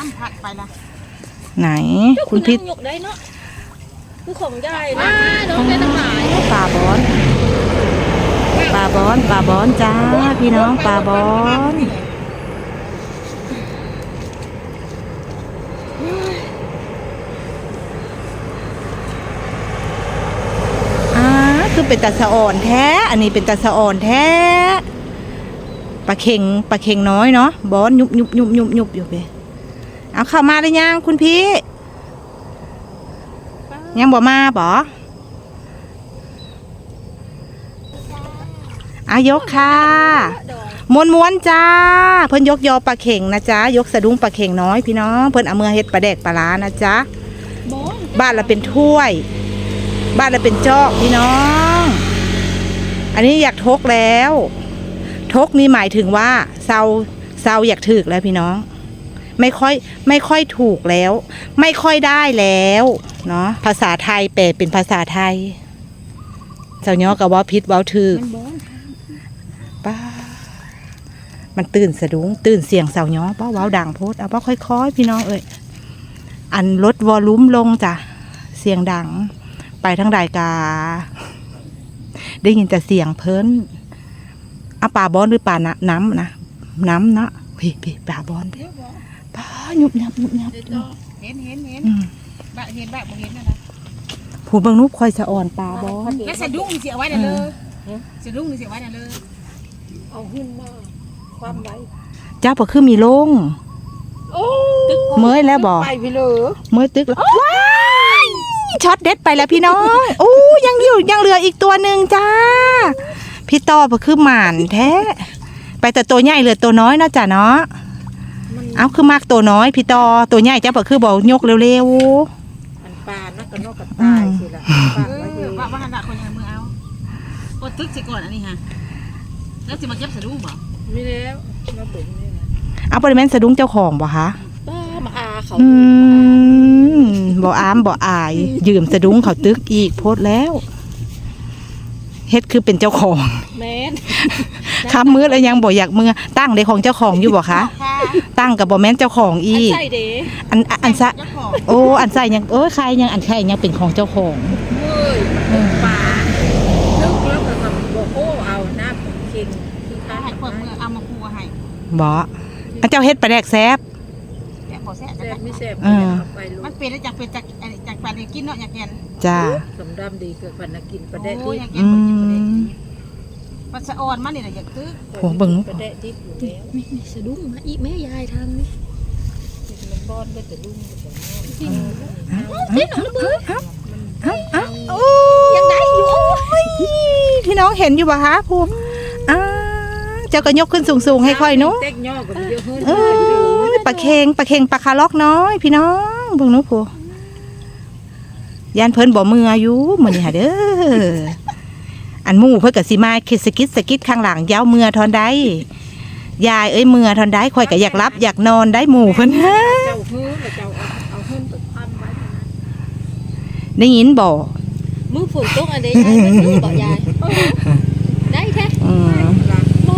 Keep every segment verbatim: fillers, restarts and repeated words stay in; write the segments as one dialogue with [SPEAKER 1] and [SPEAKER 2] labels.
[SPEAKER 1] ำผัดไปละ
[SPEAKER 2] ไหนคุณพิษ
[SPEAKER 3] ยกได้เนาะคือของใหญ่นะน้องได้ทั้งหลาย
[SPEAKER 2] ปลาบอนปลาบอนปลาบอนจ้าพี่น้องปลาบอนอ่าคือเป็นตาสะอ่อนแท้อันนี้เป็นตาสะอ่อนแท้ปลาเข่งปลาเข่งน้อยเนาะบอนยุบยุบยุบยุบยุบอยู่ไปเอาเข้ามาได้ยังคุณพี่ยังบ่มาบ่อายกค่ะม้วนม้วนจ้าเพิ่นยกยอปลาเข่งนะจ๊ะยกสะดุ้งปลาเข่งน้อยพี่น้องเพิ่นเอามือเฮ็ดปลาแดกปลาล้านะจ๊ะบ้านเราเป็นถ้วยบ้านเราเป็นจอกพี่น้องอันนี้อยากทกแล้วทกนี่หมายถึงว่าเซาเซาอยากถึกแล้วพี่น้องไม่ค่อยไม่ค่อยถูกแล้วไม่ค่อยได้แล้วเนาะภาษาไทยแปลเป็นภาษาไทยเจ้าเนาะกับว่าพิษว่าถึกป้ามันตื่นสะดุ้งตื่นเสียงเสาเนาะป้าว้าวดังโพดเอาป้าค่อยๆพี่น้องเอ้ยอันลดวอลลุ่มลงจ้ะเสียงดังไปทั้งรายกาได้ยินแต่เสียงเพิ่นเอาปลาบอนหรือปลาน้ำนะน้ำนะพี่พี่ปลาบอนปลาหยุบหยับหยุบหยับ
[SPEAKER 1] เห็นเห็นเห็นบะเห็นบะบ่เห็นนะนะ
[SPEAKER 2] ผู้เบิ่งนุ๊กคอยสะอ่อนปลาบอน
[SPEAKER 1] แค่สะดุ้งเสียไว้น่ะเลยสะดุ้งเสียไว้น่ะเลย
[SPEAKER 3] เอาขึ้นมาความไว้
[SPEAKER 2] เจ้าปะคือมีลงเมื่อยแล้วบ่
[SPEAKER 3] ไปพี่เลย
[SPEAKER 2] เมื่อยตึกแล้วว้ายช็อตเด็ดไปแล้วพี่น้องโอ้ยังอยู่ยังเหลืออีกตัวหนึ่งจ้าพี่ต่อปะคือหมานแท้ไปแต่ตัวใหญ่เหลือตัวน้อยนะจ้ะเนาะเอาคือมากตัวน้อยพี่ต่อตัวใหญ่เจ้าปะคือบอกยกเร็ว
[SPEAKER 3] ๆมันปลานักกระนกกระต่ายสิล่ะ
[SPEAKER 1] ว่าว่าขนาดคนยังมือเอากดตึกสิก่อนอันนี้ฮะแล้วจะมาเก็บสะดุ้งบ่
[SPEAKER 3] ไม่แล้วมาเบิ่งนี่นะ
[SPEAKER 2] เอาปริมาณสะดุ้งเจ้าของบ่คะ
[SPEAKER 3] ป้ามาอาเขา
[SPEAKER 2] อืมบ่อามบ่อายยืมสะดุ้งเขาตึกอีกโพดแล้วเฮ็ดคือเป็นเจ้าของ
[SPEAKER 3] แม่น
[SPEAKER 2] คำมือแล้วยังบ่อยากมือตั้งในของเจ้าของอยู่บ่คะตั้งกับบ่แม่นเจ้าของอีกอันอันซะโอ้อันใส่ยังเอ้ยใครยังอันใครยังเป็นของเจ้าของ
[SPEAKER 3] เฮ้ยปลาลึกแล้วก็บอกโอ้เอาน้ำเค็ม
[SPEAKER 1] คือข้าให้เปิดมือเอามาปูให้
[SPEAKER 2] บ่อันเจ้าเฮ็ดปลาแดกแซ่บ
[SPEAKER 1] แซ่บบ่แซ่บ
[SPEAKER 3] แซ่บไม่แซ่บ
[SPEAKER 1] มันเป็นจากเป็นจากจากปลาได้กินเนาะอยากกิน
[SPEAKER 2] จ้า
[SPEAKER 3] สำดำดีเกิดพันนักกินปลาแดกที่
[SPEAKER 1] อืมปลาสะออนมันนี่แหละอยากตื้อ
[SPEAKER 2] โหเบิ่ง
[SPEAKER 3] ปลาแดกที่อยู่แล้วไม่ไม่สะดุ้งมาอีแม่ยายทำนี่มันบอนได้แต่ดุ้งจริงเต้นหนูมือ
[SPEAKER 2] ยังได้อยู่พี่น้องเห็นอยู่ป่ะคะภูมิอ้าเจ้าก็ยกขึ้นสูงๆให้ค่อยนู้เออปลาเค็งปลาเค็งปลาคาล็อกน้อยพี่น้องเบิ่งนู้ภูยานเพิ่นบ่มืออายุมื้อนี้หาเด้ออันหมู่เพิ่นก็สิมาคิดสกิดสกิดข้างหลังยาวเมื่อทอนได้ยายเอ้ยเมื่อทอนได้ค่อยก็อยากรับอยากนอนได้หมู่เพิ่นฮะได้ยินบ่
[SPEAKER 3] มือฝนตกอันใดยายมันมือบ่ยายได้แท้อืมบ่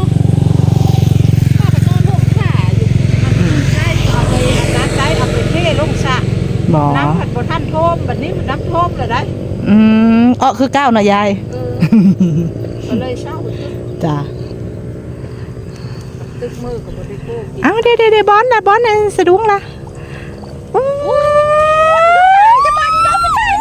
[SPEAKER 3] ป้าไปนอนลงขาอยู่ใช่เอาไปร้านได้เอาไปเทลงสระ
[SPEAKER 2] บ่
[SPEAKER 3] น้ำผัดบ่ทันท่วมบัดนี้มันน้ำท่วมแล้วได้
[SPEAKER 2] อืมอ้อคือก้าวน่ะยาย
[SPEAKER 3] เออก็เลยเศร้า
[SPEAKER 2] จ้ะ
[SPEAKER 3] ตึกมือก็บ่ได้โก้
[SPEAKER 2] อ้าวเด้ๆๆบอนน่ะบอนน่ะสะดุ้งล่ะโอ้ยจะมาดอกไปใส่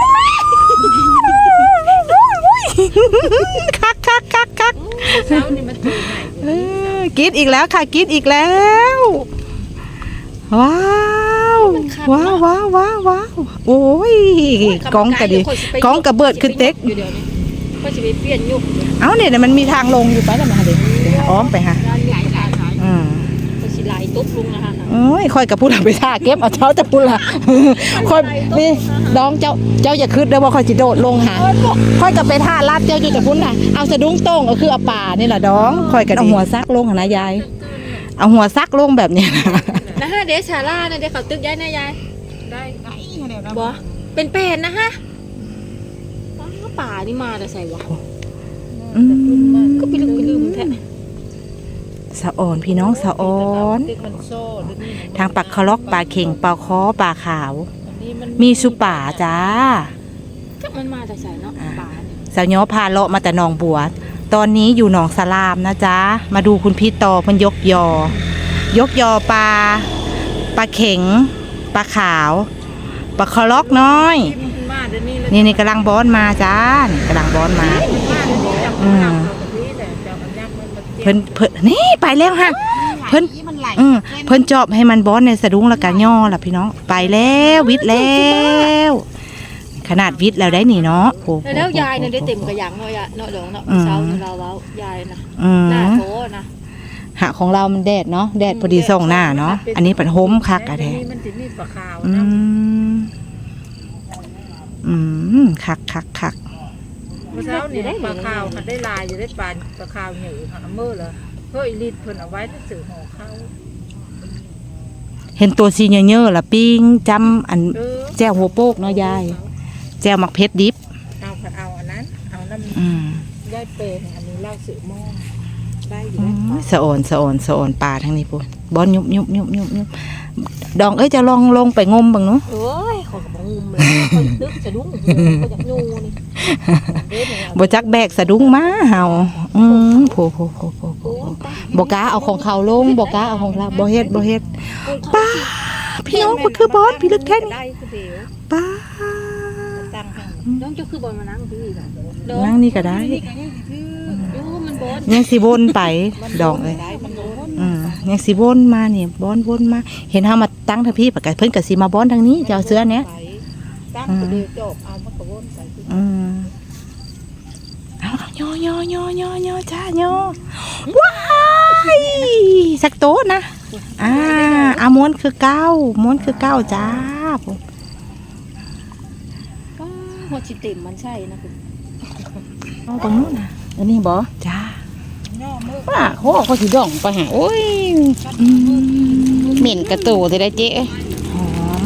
[SPEAKER 2] คักคักคักคัก
[SPEAKER 3] เช้านี่มันตื่นใหม่
[SPEAKER 2] กินอีกแล้วค่ะกินอีกแล้วว้าวว้าวว้าวว้าวว้าวโอ้ยกองกระดิกองกระเบิดขึ้นเต็ก
[SPEAKER 3] ก็จะไปเปลี่ยนยุก
[SPEAKER 2] เอ้าเนี่ยมันมีทางลงอยู่ไปแล้วมาเด็กอ้อมไปฮะอืม
[SPEAKER 3] ก็สิไหลตุ๊บลงนะคะ
[SPEAKER 2] โอ้ยค่อยกับพูดไปท่าเก็บเอาเช้าจะพูดละค่อยนี่น้องเจ้าเจ้าอย่าคืดเด้อว่าค่อยจิโดดลงหาค่อยกับไปท่าลาดเจ้าอยู่จะพูดน่ะเอาสะดุ้งโต้งก็คือเอาป่านี่แหละน้องค่อยกับเอาหัวซักลงนะยายเอาหัวซักลงแบบนี้นะ
[SPEAKER 3] นะฮะเดชาล่าเนี่ยเดี๋ยวเขาตึกย้ายนะยาย
[SPEAKER 1] ได้ได้
[SPEAKER 3] บ่เป็นเป็นนะฮะป่านี่มาแต่ใส่วะก็ไปลืมไปลืมแท้
[SPEAKER 2] แสะอ่อนพี่น้องสะอ่อน
[SPEAKER 1] ติ๊กมันโซ่ด้วยนี่
[SPEAKER 2] ทางปลาคาล็อกปลาเข่งปลาคอปลาขาว
[SPEAKER 1] อันนี้มัน
[SPEAKER 2] มีสุป่าจ้า
[SPEAKER 3] ก็มันมาแต่ใส่เนาะป่าเนี่ย
[SPEAKER 2] สาวย้อพาเลาะมาแต่หนองบัว ตอนนี้อยู่หนองสลามนะจ๊ะมาดูคุณพี่ต่อเพิ่นยกยอ ยกยอปลาปลาเข่งปลาขาวปลาคาล็อกน้อย
[SPEAKER 1] ที่มันมาเดี๋ยวนี้แล้ว
[SPEAKER 2] นี่นี่กำลังบอนมาจ้านี่กำลังบอนมา
[SPEAKER 1] มาเดี๋ยวนี้จับ
[SPEAKER 2] อื
[SPEAKER 1] มัน
[SPEAKER 2] ม
[SPEAKER 1] เอากับพี่แต่จับมันยักษ์มันมันเจ็บ
[SPEAKER 2] เพิ่นเพิ่นนี่ไปแล้วฮะ เพิ่น
[SPEAKER 1] มันไหล
[SPEAKER 2] อืมเพิ่นจอบให้มันบอนในสะดุ้งแล้วกันย่อล่ะพี่น้องไปแล้ววิทย์แล้ว ขนาดวิทย์แล้วได้นี่เนาะโอ้โห
[SPEAKER 3] แล้วยายเนี่ยได้เต็มกระยังเนาะยะเนาะเดี๋ยวเนาะเช้าเราเว้ายายนะ
[SPEAKER 2] อืม
[SPEAKER 3] หน้าโถนะ
[SPEAKER 2] หะของเรามันแดดเนาะแดดพอดีส่องหน้าเนาะอันนี้เป็นโฮมคักอะแท้
[SPEAKER 1] เดี๋ยวนี้มันจะมีปลาขาว
[SPEAKER 2] อื
[SPEAKER 1] นะ
[SPEAKER 2] มอืมคักคักคัก
[SPEAKER 1] เมื่อเช้านี่ปลาขาวมันได้ลายอยู่ได้ปลาปลาขาวเหนือหันเมื่อเหรอเฮ้ยรีดเพิ่นเอาไว้ที่สื่อห่อข้าว
[SPEAKER 2] เห็นตัวซีเยอะๆละปิ้งจำอัน
[SPEAKER 1] เออ
[SPEAKER 2] แจ่วหัวโปกเนาะยายแจ่วมักเพชรดิบ
[SPEAKER 1] เอาผัดเอาอันนั้นเอาน้ำ
[SPEAKER 2] อืม
[SPEAKER 1] ย่ายเปรย์อันนี้เหล้าสื่อหม้อได้อยู่
[SPEAKER 2] อื
[SPEAKER 1] ได้
[SPEAKER 2] มสะอ่อนสะอ่อนสะอ่อนปลาทั้งนี้ปุ่นบอนยุบยุบยุบยุบยุบดองเอ้ยจะลองลงไปงมบ้างเนาะ
[SPEAKER 3] โอ้ยขอกระบอกงุมเลยคอยตึกสะดุ้งก็จากยูนี่เด็ดเนี่ย
[SPEAKER 2] บ่จักแบกสะดุ้งมาเฮาอืมโผโผโผโผโผ
[SPEAKER 3] โอ้ย
[SPEAKER 2] บ่กล้าเอาของเขาลงบ่กล้าเอาของเราบ่เฮ็ดบ่เฮ็ดป้าพี่น้องมันคือบอสพี่ลึกแท้นี่
[SPEAKER 1] ได้คือเดียว
[SPEAKER 2] ป้า
[SPEAKER 1] ตั้งให้
[SPEAKER 3] น้องจะคือบอลมานั่งพี่ค่ะ
[SPEAKER 2] นั่งนี่ก็ได้
[SPEAKER 3] โอ้มันบอล
[SPEAKER 2] ยังสิวนไปดองเอ้ย
[SPEAKER 1] ได้มันโดน
[SPEAKER 2] อืมยังสิวนมาเนี่ยบอนวนมา เห็นเฮามาตั้งทางพี่ปะกะเพิ่นก็สิมาบอนทางนี้เจ้าเสื้อเนี้ย
[SPEAKER 1] ตั้งคือเดียวจบเอามันก็วนไป
[SPEAKER 2] อืมเอาเอาย่อย่อย่อย่อย่อจ้าย่อว้ายสักโต๊ะนะอ่าอาม้วนคือเก้าม้วนคือเก้าจ้าผม
[SPEAKER 3] หัวชิเต็มมันใช่นะคุณ
[SPEAKER 2] เอาตรงนู้นนะ
[SPEAKER 4] อันนี้บ่
[SPEAKER 2] จ้า
[SPEAKER 1] ย่อมือ
[SPEAKER 4] ป้าเขาเอาเขาสิดองไปหาโอ้ย
[SPEAKER 2] อืม
[SPEAKER 4] เหม็นกระตูสิได้เจ๊
[SPEAKER 2] หอม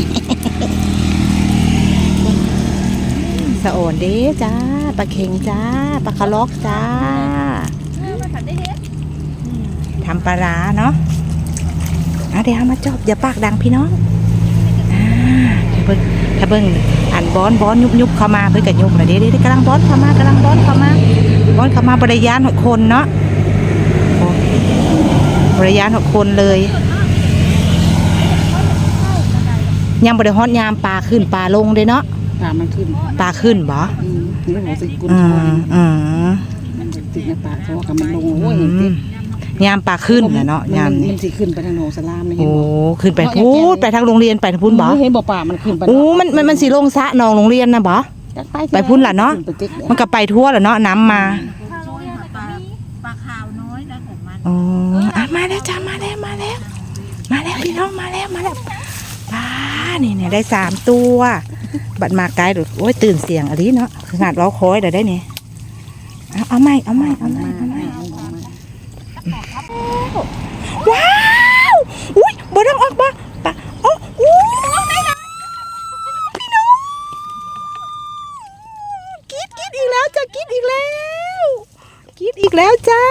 [SPEAKER 2] สะโอนเด้จ้าปลาเค็งจ้าปลาคาล็อกจ้า
[SPEAKER 3] มาถัดได้เฮ็ด
[SPEAKER 2] ทำปลาร้าเนาะเอาเดี๋ยวเอามาจอบอย่าปากดังพี่น้องอ่าถ้าเบิ้งถ้าเบิ้งอันบอนบอนยุบยุบเข้ามาเพื่อกับยุบเลยเดี๋ยวเดี๋ยวกำลังบอนเข้ามากำลังบอนเข้ามาบอนเข้ามาบริยานหกคนเนาะโอ้บริยานหกคนเลยยังบริฮอดยามปลาขึ้นปลาลงเลยเนาะ
[SPEAKER 4] ปลามันขึ้น
[SPEAKER 2] ปลาขึ้นบ่
[SPEAKER 4] อืมนี่หัวสิกุน
[SPEAKER 2] อื
[SPEAKER 4] ทอง
[SPEAKER 2] มอืม
[SPEAKER 4] มันติดในปากเขากับมันลงโอ้ยเห็นติ
[SPEAKER 2] ยามปลาขึ้นนะเนาะยาม
[SPEAKER 4] มั
[SPEAKER 2] นี้
[SPEAKER 4] นสิขึ้นไปทางโหนงสลามนี่เห็
[SPEAKER 2] โอ้
[SPEAKER 4] นบ่
[SPEAKER 2] ขึ้นไปพูดไปทางโรงเรียนไปทางพูนบ่
[SPEAKER 4] เห็นบ่ป่ามันขึ้นไป
[SPEAKER 2] โอ้มันมันมันสีลงสระนองโรงเรียนนะบ่ ไปพุ่นล่ะเนาะ
[SPEAKER 4] ขึ้ไปติ๊ก
[SPEAKER 2] มันก็ไปทั่วแหละเนาะน้ำมา
[SPEAKER 1] ปลาปลาขาวน้อยนะของมัน
[SPEAKER 2] อ๋ออ่ะมาแล้วจ้ามาแล้วมาแล้ว มาแล้วพี่น้องมาแล้วมาแล้วป้านี่เนี่ยได้สามตัว บัดมาไกลหรือโอ้ยตื่นเสียงอะไรเนาะขนาดเราคอยเดี๋ยวได้เนี่ยเอาเอาไม่เอาไม่เอาไม่เอาไม่ว้าวอุ้ยบ่ต้องออกบ่ปะโอ้อู้พี่น้องกรีดกรีดอีกแล้วจ้ากรีดอีกแล้วกรีดอีกแล้วจ้า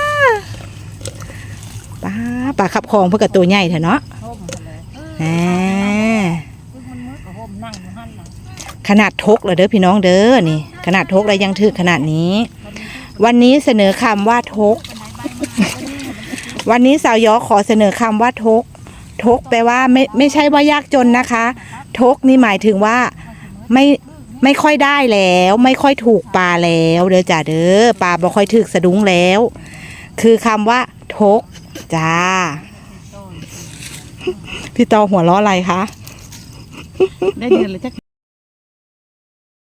[SPEAKER 2] ป้าปลาขับคลองเพื่อกับตัวใหญ่เถอะเนาะ
[SPEAKER 1] ห่มเลย
[SPEAKER 2] แหม
[SPEAKER 1] คือมันมืดกับห่มนั่งอยู่หั่นน่ะ
[SPEAKER 2] ขนาดทกเลยเด้อพี่น้องเด้อนี่ ขนาดทกแล้วยังถือขนาดนี้ วันนี้เสนอคำว่าทก วันนี้สาวยอขอเสนอคำว่าทก ทกแปลว่าไม่ไม่ใช่ว่ายากจนนะคะ ทกนี่หมายถึงว่าไม่ไม่ค่อยได้แล้ว ไม่ค่อยถูกปลาแล้วเด้อจ้าเด้อปลาบ่ค่อยถึกสะดุ้งแล้ว คือคำว่าทกจ้า พี่ตอหัวล้ออะไรคะ
[SPEAKER 4] ได้เดือนเลยจัก